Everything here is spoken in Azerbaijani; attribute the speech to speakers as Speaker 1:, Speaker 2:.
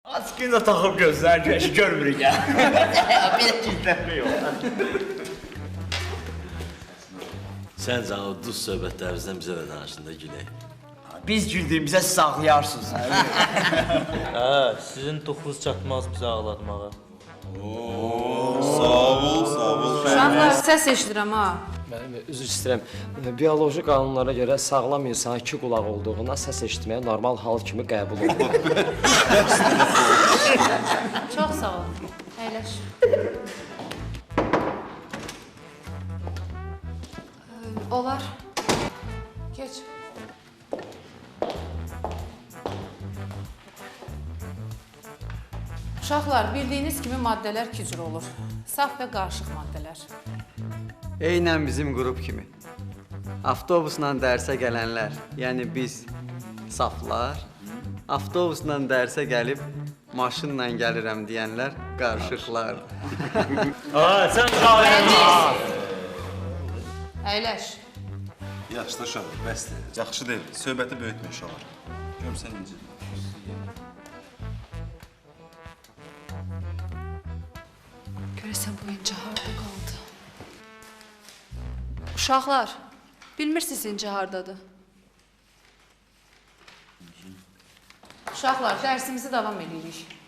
Speaker 1: Askını da taxıb gözlər güneşi görmürük ya. Bir kilitlenme yok.
Speaker 2: Səncə o duz söhbətlərimizdən bizə də danışında gülək.
Speaker 1: Biz güldüğümüzə siz ağlayarsınız.
Speaker 3: Hə, sizin toxunuz çatmaz bizə ağlatmağa.
Speaker 4: Sağ ol.
Speaker 5: Uşaqlar, səs eşidirəm ha.
Speaker 6: Mən üzr istəyirəm. Bioloji qanunlara görə sağlam insan iki qulaq olduğuna səs eşitməyə normal hal kimi qəbul olunur.
Speaker 5: Çox sağ ol. Əyləş. Olar. Geç. Uşaqlar, bildiyiniz kimi maddələr iki cür olur. Saf və qarışıq maddələr.
Speaker 7: Eynən bizim qrup kimi. Avtobusla dərsə gələnlər, yəni biz saflar, avtobusla dərsə gəlib maşınla gəlirəm deyənlər qarışıqlar.
Speaker 1: Sen kahve.
Speaker 5: Əyləş.
Speaker 4: Yaxşı da uşaq, bəsdir. Yaxşı deyil, söhbəti böyütmə uşaqlar. Görmüsən necə?
Speaker 5: Görəsən bu incə harda qaldı? Uşaqlar, bilmirsiniz incə hardadır? Uşaqlar, dərsimizi davam edirik.